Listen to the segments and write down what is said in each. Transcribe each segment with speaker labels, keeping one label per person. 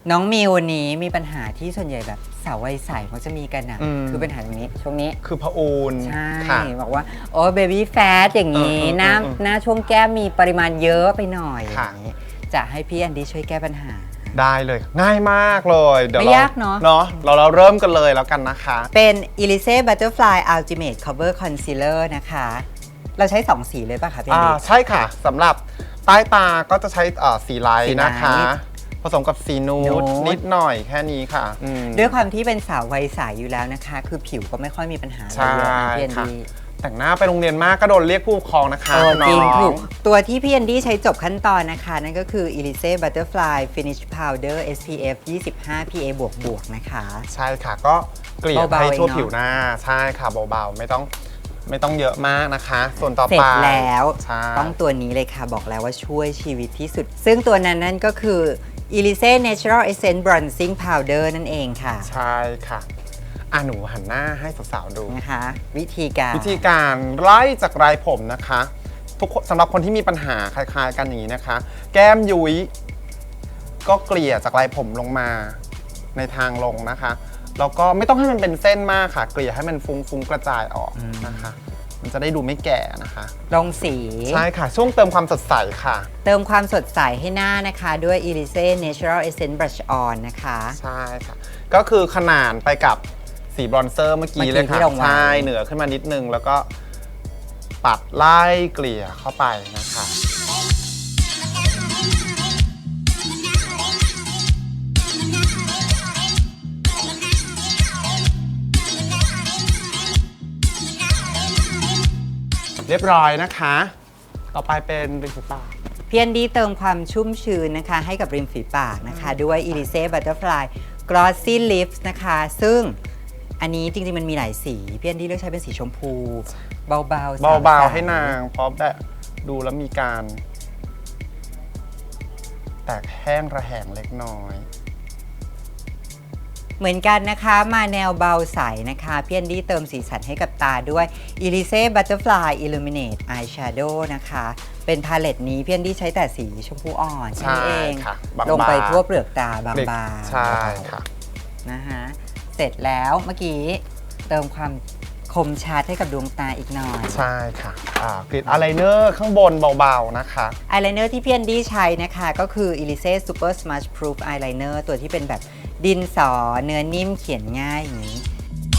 Speaker 1: น้องมิววันนี้มีปัญหาที่ส่วนใหญ่แบบสาววัยใสมักจะมีกันนะคือปัญหาตรงนี้ช่วงนี้
Speaker 2: คือพะอูน
Speaker 1: ใช่บอกว่าโอ้เบบี้แฟตอย่างนี้หน้าช่วงแก้มมีปริมาณเยอะไปหน่อยอย่างนี้จะให้พี่แอนดี้ช่วยแก้ปัญหา
Speaker 2: ได้เลยง่ายมากเลยเดี๋ยว
Speaker 1: ไม่ยากเนาะ
Speaker 2: เราเริ่มกันเลยแล้วกันนะคะ
Speaker 1: เป็น Elise Butterfly Ultimate Cover Concealer นะคะเราใช้2สีเลยป่ะคะพี่แอนดี้
Speaker 2: ใช่ค่ะสำหรับใต้ตาก็จะใช้สีไลท์นะคะผสมกับสีนูดนิดหน่อยแค่นี้ค่ะ
Speaker 1: ด้วยความที่เป็นสาววัยใสอยู่แล้วนะคะคือผิวก็ไม่ค่อยมีปัญหาอะไรเยอะนะพี่แอนดี้
Speaker 2: แต่งหน้าไปโรงเรียนมากก็โดนเรียกผู้ปกครองนะคะ
Speaker 1: จริงถูกตัวที่พี่แอนดี้ใช้จบขั้นตอนนะคะนั่นก็คือ Elise Butterfly Finish Powder SPF 25 PA บวกนะคะ
Speaker 2: ใช่ค่ะก็เกลี่ยให้ทั่วผิวหน้าใช่ค่ะเบาๆไม่ต้องเยอะมากนะคะส่วนต่อไป
Speaker 1: เสร็จแล้วต้องตัวนี้เลยค่ะบอกแล้วว่าช่วยชีวิตที่สุดซึ่งตัวนั้นนั่นก็คือ Elise Natural Essence Bronzing Powder นั่นเองค่ะ
Speaker 2: ใช่ค่ะหนูหันหน้าให้สาวๆดู
Speaker 1: นะคะวิธีการ
Speaker 2: ไล่จากรายผมนะคะทุกสำหรับคนที่มีปัญหาคล้ายๆกันอย่างนี้นะคะแก้มยุ้ยก็เกลี่ยจากรายผมลงมาในทางลงนะคะแล้วก็ไม่ต้องให้มันเป็นเส้นมากค่ะเกลี่ยให้มันฟุ้งๆกระจายออกนะคะมันจะได้ดูไม่แก่นะคะ
Speaker 1: ลงสี
Speaker 2: ใช่ค่ะช่วงเติมความสดใสค่ะ
Speaker 1: เติมความสดใสให้หน้านะคะด้วย Elise Natural Essence Brush On นะคะ
Speaker 2: ใช่ค่ะก็คือขนานไปกับสีบรอนเซอร์เมื่อกี้เลยค่ะใช่เหนือขึ้นมานิดนึงแล้วก็ปัดไล่เกลี่ยเข้าไปนะคะเรียบร้อยนะคะต่อไปเป็นริมฝีปาก
Speaker 1: พี่แอนดี้เติมความชุ่มชื้นนะคะให้กับริมฝีปากนะคะด้วย Elise Butterfly Glossy Lips นะคะซึ่งอันนี้จริงๆมันมีหลายสีพี่แอนดี้เลือกใช้เป็นสีชมพูเบา
Speaker 2: ๆให้นางเพราะแบบดูแล้วมีการแตกแห้งระแหงเล็กน้อย
Speaker 1: เหมือนกันนะคะมาแนวเบาใสนะคะพี่แอนดี้เติมสีสันให้กับตาด้วย Elise Butterfly Illuminate Eyeshadow นะคะเป็นพาเลตนี้พี่แอนดี้ใช้แต่สีชมพูอ่อนใช่เองลงไปทั่วเปลือกตาบางๆ
Speaker 2: ใช่ค่ะ
Speaker 1: นะคะเสร็จแล้วเมื่อกี้เติมความคมชัดให้กับดวงตาอีกหน่อย
Speaker 2: ใช่ค่ะกริดอายไลเนอร์ข้างบนเบาๆนะคะ
Speaker 1: อายไลเนอร์ที่พี่แอนดี้ใช้นะคะก็คือ Elise Super Smudge Proof Eyeliner ตัวที่เป็นแบบดินสอเนื้อนิ่มเขียนง่ายอย่างนี้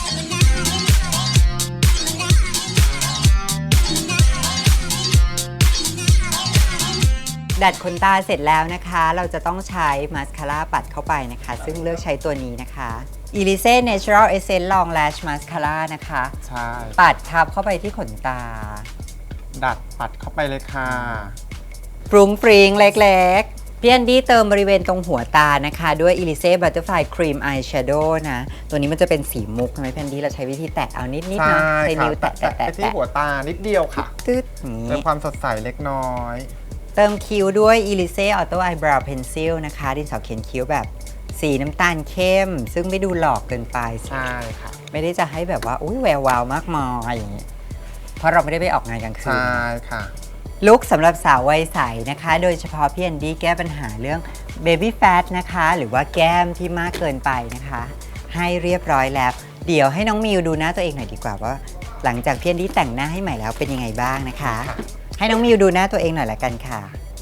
Speaker 1: ดัดขนตาเสร็จแล้วนะคะเราจะต้องใช้มาสคาร่าปัดเข้าไปนะคะซึ่งเลือกใช้ตัวนี้นะคะ Elise Natural Essence Long Lash Mascara นะคะ
Speaker 2: ใช่
Speaker 1: ปัดทับเข้าไปที่ขนตา
Speaker 2: ดัดปัดเข้าไปเลยค่ะ
Speaker 1: ฟรุ้งฟริ้งเล็กๆพี่แอนดี้เติมบริเวณตรงหัวตานะคะด้วย Elise Butterfly Cream Eyeshadow นะตัวนี้มันจะเป็นสีมุกใช่ไหมพี่แอนดี้เราใช้วิธีแตะเอานิดๆนะใช้นิ้วแตะ
Speaker 2: ที่หัวตานิดเดียวค่ะ
Speaker 1: ตึ๊ด
Speaker 2: เติมความสดใสเล็กน้อย
Speaker 1: เติมคิ้วด้วย Elise Auto Eyebrow Pencil นะคะดินสอเขียนคิ้วแบบสีน้ำตาลเข้มซึ่งไม่ดูหลอกเกินไป
Speaker 2: ใช่ค่ะ
Speaker 1: ไม่ได้จะให้แบบว่าอุ้ยแวววาวมากมายอย่างนี้เพราะเราไม่ได้ไปออกงานกลางคืน
Speaker 2: ใช่ค่ะ
Speaker 1: ลุคสำหรับสาววัยใสนะคะโดยเฉพาะพี่แอนดี้แก้ปัญหาเรื่อง Baby Fat นะคะหรือว่าแก้มที่มากเกินไปนะคะให้เรียบร้อยแล้วเดี๋ยวให้น้องมิวดูหน้าตัวเองหน่อยดีกว่าว่าหลังจากพี่แอนดี้แต่งหน้าให้ใหม่แล้วเป็นยังไงบ้างนะคะให้น้องมิวดูหน้าตัวเองหน่อยละกันค่ะ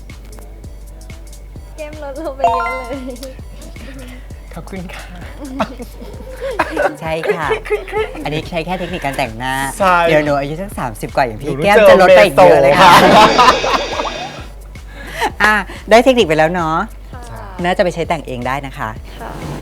Speaker 3: แก้มลดลงไปเยอะเลย
Speaker 2: ขอบคุณค่ะ
Speaker 1: ใช่ค่ะอันนี้ใช้แค่เทคนิคการแต่งหน้า
Speaker 2: เ
Speaker 1: ดี๋ยวหนูอายุสัก30 กว่าอย่างพี่แก้มจะลดไปอีกเยอะเลยค่ะได้เทคนิคไปแล้วเนาะน่าจะไปใช้แต่งเองได้นะคะ